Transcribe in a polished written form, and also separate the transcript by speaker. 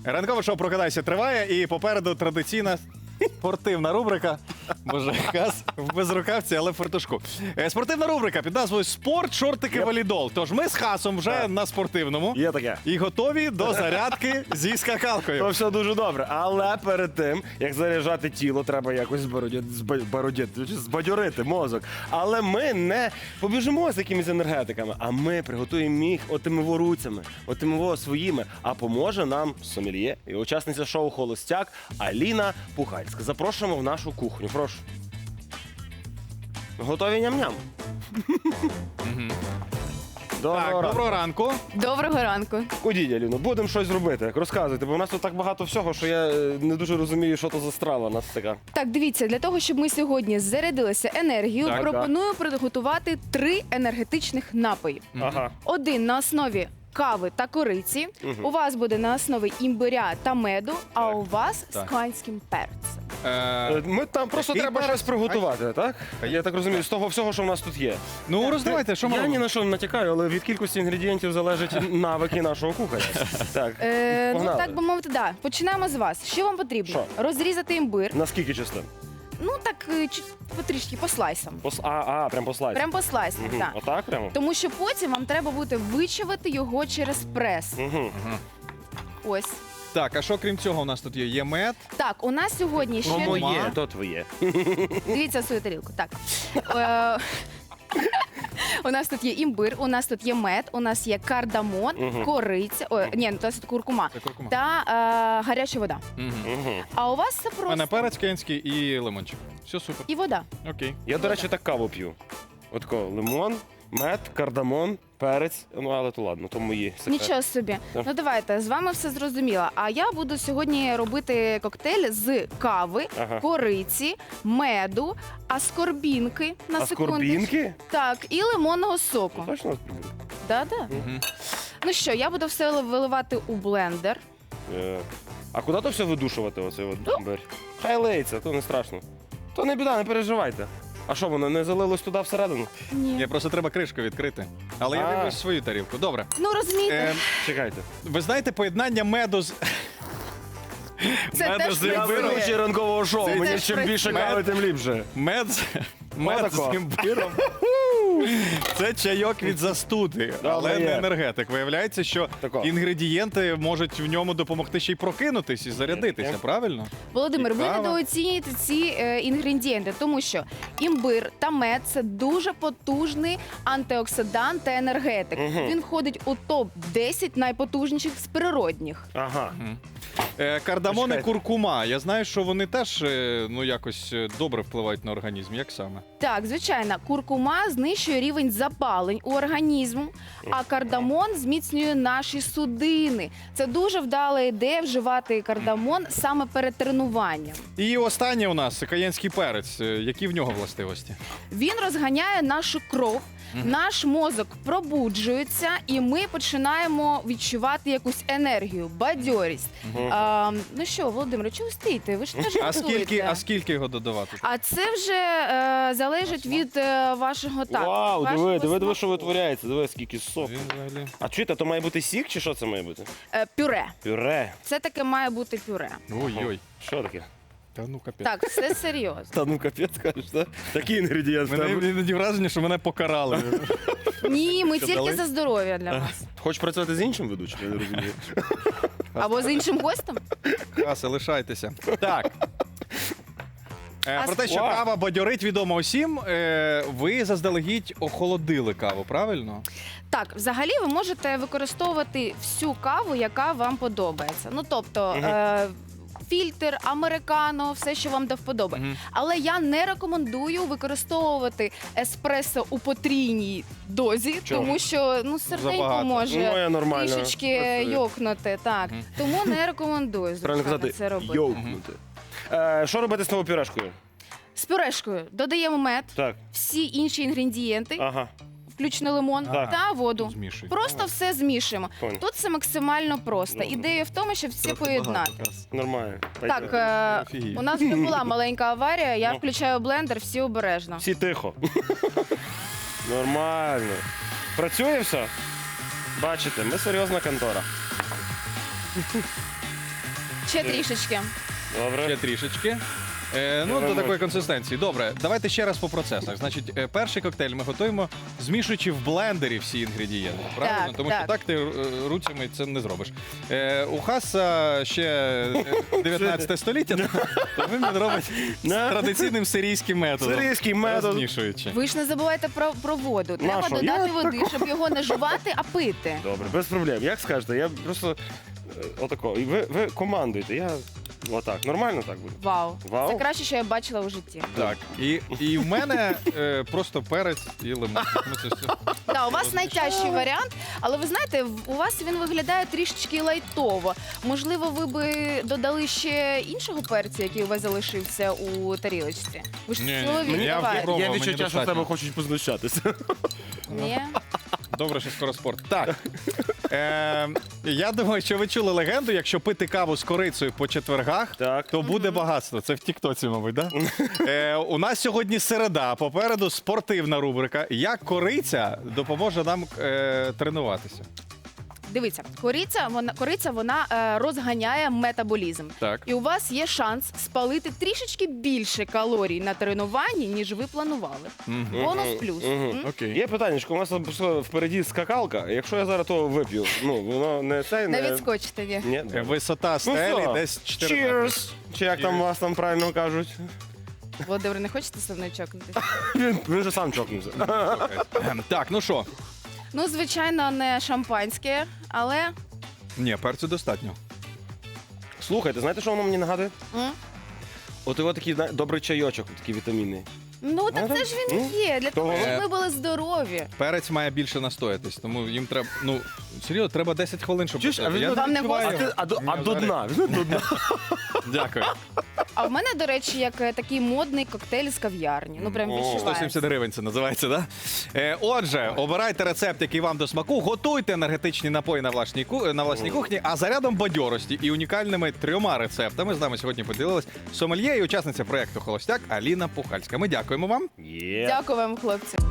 Speaker 1: Ранкове шоу «Прокидайся» триває, і попереду традиційна спортивна рубрика. Боже, Хас в безрукавці, але в фартушку. Спортивна рубрика під назвою «Спорт, шортики, валідол». Тож ми з Хасом вже на спортивному.
Speaker 2: Є таке.
Speaker 1: І готові до зарядки зі скакалкою.
Speaker 2: То все дуже добре. Але перед тим, як заряджати тіло, треба якось збадьорити мозок. Але ми не побіжимо з якимись енергетиками, а ми приготуємо їх отими руцями, отими своїми. А поможе нам сомельє і учасниця шоу «Холостяк» Аліна Пухальська. Запрошуємо в нашу кухню. Прошу. Готові ням-ням?
Speaker 1: Так, доброго ранку.
Speaker 3: Доброго ранку.
Speaker 2: Ходіть, Аліно, будемо щось робити. Розказуйте, бо у нас тут так багато всього, що я не дуже розумію, що то за страва у нас така.
Speaker 3: Так, дивіться, для того, щоб ми сьогодні зарядилися енергією,
Speaker 1: Так,
Speaker 3: пропоную приготувати 3 енергетичних напої.
Speaker 2: Ага.
Speaker 3: Один на основі кави та кориці, у вас буде на основі імбиря та меду, а у вас з канським перцем.
Speaker 2: Ми там просто
Speaker 1: Який
Speaker 2: треба
Speaker 1: перець?
Speaker 2: щось приготувати, так? Я так розумію, з того всього, що в нас тут є.
Speaker 1: Ну, роздавайте, що ми
Speaker 2: Я ні
Speaker 1: робимо?
Speaker 2: на що не натякаю, але від кількості інгредієнтів залежать навики нашого кухаря. Так,
Speaker 3: Ну,
Speaker 2: погнали.
Speaker 3: так би мовити, да. Починаємо з вас. Що вам потрібно?
Speaker 2: Що?
Speaker 3: Розрізати імбир.
Speaker 2: На скільки частин?
Speaker 3: Ну, так, потрішки, по слайсам.
Speaker 2: Прям по слайсу.
Speaker 3: Прям по слайсам,
Speaker 2: Мгм.
Speaker 3: так.
Speaker 2: Отак прямо?
Speaker 3: Тому що потім вам треба буде вичавити його через прес.
Speaker 2: Угу.
Speaker 3: Ось.
Speaker 1: Так, а що крім цього у нас тут є? Є мед.
Speaker 3: Так, у нас сьогодні ще...
Speaker 2: Моє, то твоє.
Speaker 3: Дивіться свою тарілку. Так. У нас тут є імбир, у нас тут є мед, у нас є кардамон, кориця, ні, у нас тут куркума
Speaker 1: Це куркума.
Speaker 3: та гаряча вода.
Speaker 2: Угу.
Speaker 3: А у вас це
Speaker 1: У мене
Speaker 3: просто
Speaker 1: перець кенський і лимончик. Все супер.
Speaker 3: і вода.
Speaker 1: Окей.
Speaker 2: Я, до речі, так каву п'ю. Отко, лимон, мед, кардамон, перець. Ну, але то ладно, то мої секрети.
Speaker 3: Нічого собі.
Speaker 2: Так.
Speaker 3: Ну давайте, з вами все зрозуміло. А я буду сьогодні робити коктейль з кави,
Speaker 2: Ага.
Speaker 3: кориці, меду, аскорбінки на секундочку.
Speaker 2: Аскорбінки?
Speaker 3: Так, і лимонного соку.
Speaker 2: Точно аскорбінки?
Speaker 3: Да-да.
Speaker 1: Мгм.
Speaker 3: Ну що, я буду все виливати у блендер.
Speaker 2: А куди то все видушувати, оцей от імбир? Хай леється, то не страшно. То не біда, не переживайте. А що, воно не залилось туди всередину?
Speaker 3: Ні.
Speaker 1: Я просто треба кришку відкрити. Але я
Speaker 2: А.
Speaker 1: вибрав свою тарілку. Добре.
Speaker 3: Ну розумієте,
Speaker 1: Е,
Speaker 2: Чекайте.
Speaker 1: ви знаєте поєднання меду з...
Speaker 3: це
Speaker 1: меду
Speaker 3: теж
Speaker 1: з
Speaker 2: Я
Speaker 1: імбиром.
Speaker 2: ведучий ранкового шоу,
Speaker 1: Це
Speaker 2: мені
Speaker 3: теж
Speaker 2: чим більше
Speaker 3: працює.
Speaker 2: кави, тим ліпше.
Speaker 1: Мед
Speaker 2: Отако.
Speaker 1: з імбиром. Це чайок від застуди, але
Speaker 2: є.
Speaker 1: не енергетик. Виявляється, що
Speaker 2: Тако.
Speaker 1: інгредієнти можуть в ньому допомогти ще й прокинутись і зарядитися,
Speaker 2: Є.
Speaker 1: правильно?
Speaker 3: Володимир, ви
Speaker 1: Цікаво.
Speaker 3: недооцінюєте ці інгредієнти, тому що імбир та мед це дуже потужний антиоксидант та енергетик. Він входить у топ 10 найпотужніших з природних.
Speaker 2: Ага.
Speaker 1: Кардамон і
Speaker 2: Почекайте.
Speaker 1: куркума. Я знаю, що вони теж ну якось добре впливають на організм. Як саме?
Speaker 3: Так, звичайно, куркума знищує рівень запалень у організму, а кардамон зміцнює наші судини. Це дуже вдала ідея вживати кардамон саме перед тренуванням.
Speaker 1: І останнє у нас каєнський перець. Які в нього властивості?
Speaker 3: Він розганяє нашу кров, наш мозок пробуджується, і ми починаємо відчувати якусь енергію, бадьорість. Ну що, Володимир, чого ви стоїте? Ви ж теж готуєте.
Speaker 1: А скільки його додавати?
Speaker 3: А це вже залежить від вашого так.
Speaker 2: Вау,
Speaker 3: вашого
Speaker 2: диви, що
Speaker 3: смаку.
Speaker 2: витворяється. Диви, скільки соку.
Speaker 1: Він взагалі.
Speaker 2: А чуєте, то має бути сік, чи що це має бути?
Speaker 3: Пюре.
Speaker 2: Пюре.
Speaker 3: Це таке має бути пюре.
Speaker 1: Ой-ой.
Speaker 2: Що таке?
Speaker 1: Та ну капець.
Speaker 3: Так, все серйозно.
Speaker 2: Та ну капець, кажеш, так? Такий інгредієнт.
Speaker 1: Мене іноді враження, що мене покарали.
Speaker 3: Ні, ми
Speaker 1: Що,
Speaker 3: тільки
Speaker 1: дали?
Speaker 3: за здоров'я для вас.
Speaker 2: Хочеш працювати з іншим ведучим? Я не розумію.
Speaker 3: Або з іншим гостем.
Speaker 1: Каси, лишайтеся. Так. Про те, що
Speaker 2: Вау.
Speaker 1: кава бадьорить, відомо усім. Ви заздалегідь охолодили каву, правильно?
Speaker 3: Так, взагалі ви можете використовувати всю каву, яка вам подобається. Ну тобто. Фільтр, американо, все, що вам до вподоби. Але я не рекомендую використовувати еспресо у потрійній дозі,
Speaker 2: Чому?
Speaker 3: тому що ну серденько
Speaker 1: Забагато.
Speaker 2: Ну,
Speaker 3: може
Speaker 2: я нормально.
Speaker 3: трішечки
Speaker 2: працюю.
Speaker 3: йокнути. Так. Тому не рекомендую,
Speaker 2: Правильно
Speaker 3: звичайно,
Speaker 2: казати,
Speaker 3: це робити.
Speaker 2: йовкнути. Що робити з новою пюрешкою?
Speaker 3: З пюрешкою додаємо мед,
Speaker 2: Так,
Speaker 3: всі інші інгредієнти,
Speaker 2: ага.
Speaker 3: включно лимон
Speaker 2: Так.
Speaker 3: та воду.
Speaker 1: Змішуй.
Speaker 3: Просто все змішуємо.
Speaker 2: Понял.
Speaker 3: Тут це максимально просто. Ідея в тому, щоб все поєднати.
Speaker 2: Нормально.
Speaker 3: Так,
Speaker 1: Офігеть.
Speaker 3: у нас вже була маленька аварія, я
Speaker 2: Ну.
Speaker 3: включаю блендер, всі обережно.
Speaker 2: Всі тихо. Нормально. Працює все? Бачите, ми серйозна контора.
Speaker 3: Ще трішечки.
Speaker 2: Добре.
Speaker 1: Ще трішечки. Ну, до такої консистенції. Добре, давайте ще раз по процесах. Значить, перший коктейль ми готуємо, змішуючи в блендері всі інгредієнти. Правильно?
Speaker 3: Так,
Speaker 1: Тому
Speaker 3: так.
Speaker 1: що так ти руцями це не зробиш. У Хаса ще 19 століття, то він робить з традиційним сирійським методом.
Speaker 2: Сирійський метод.
Speaker 1: Розмішуючи.
Speaker 3: Ви ж не забувайте про воду. Треба
Speaker 2: Нащо?
Speaker 3: додати
Speaker 2: Я
Speaker 3: води, щоб його не жувати, а пити.
Speaker 2: Добре, без проблем. Як скажете, я просто отако. І ви командуєте. Я отак. Нормально так буде?
Speaker 3: Вау.
Speaker 2: Вау.
Speaker 3: Це краще, що я бачила у житті.
Speaker 1: Так, і в мене просто перець і лимон. Ми це все.
Speaker 3: Так, у вас найтяжчий варіант, але ви знаєте, у вас він виглядає трішечки лайтово. Можливо, ви би додали ще іншого перцю, який у вас залишився у тарілочці? Ви ж
Speaker 1: Ні,
Speaker 3: чоловік,
Speaker 1: я
Speaker 3: давай.
Speaker 1: пробував,
Speaker 2: Я
Speaker 1: мені
Speaker 2: відчуття, що з
Speaker 1: достатньо.
Speaker 2: тебе хочуть познущатися.
Speaker 3: Ні?
Speaker 1: Добре, що скоро спорт. Так. Я думаю, що ви чули легенду, якщо пити каву з корицею по четвергах,
Speaker 2: Так.
Speaker 1: то буде багатство. Це в Тіктоці, мабуть, так? Да? У нас сьогодні середа, попереду спортивна рубрика. Як кориця допоможе нам тренуватися?
Speaker 3: Дивіться, кориця вона розганяє метаболізм.
Speaker 1: Так.
Speaker 3: І у вас є шанс спалити трішечки більше калорій на тренуванні, ніж ви планували. Бонус плюс. М?
Speaker 1: Окей.
Speaker 2: Є питання, що у нас пішло впереді скакалка. Якщо я зараз того вип'ю, ну воно не цей
Speaker 3: Не відскочите, ні.
Speaker 2: Ні.
Speaker 1: Висота стелі
Speaker 2: все.
Speaker 1: десь 4 метри.
Speaker 2: Cheers! Чи як там вас там правильно кажуть?
Speaker 3: Володимир, не хочете зі мною чокнутися?
Speaker 2: Він же сам чокнувся.
Speaker 1: Так, ну що?
Speaker 3: Ну, звичайно, не шампанське, але
Speaker 1: Ні, перцю достатньо.
Speaker 2: Слухайте, знаєте, що воно мені нагадує?
Speaker 3: м?
Speaker 2: От його такий добрий чайочок, такий вітамінний.
Speaker 3: Ну, так це ж він є, для того, щоб ми були здорові.
Speaker 1: Перець має більше настоятись, тому їм треба, ну, серйозно, треба 10 хвилин, щоб...
Speaker 2: Чуєш, а
Speaker 1: Я
Speaker 2: він
Speaker 3: Вам не
Speaker 1: відчуваю.
Speaker 3: гостро?
Speaker 2: А до дна. Візьми до дна.
Speaker 1: Дякую.
Speaker 3: А в мене, до речі, як такий модний коктейль з кав'ярні. Ну, прям
Speaker 2: О,
Speaker 3: відчувається.
Speaker 1: 170 гривень це називається, так? Да? Отже, обирайте рецепт, який вам до смаку, готуйте енергетичні напої на власній кухні, а зарядом бадьорості і унікальними 3 рецептами з нами сьогодні поділилась сомельє і учасниця проєкту «Холостяк» Аліна Пухальська. Ми дякуємо вам.
Speaker 2: Є.
Speaker 3: Дякую вам, хлопці.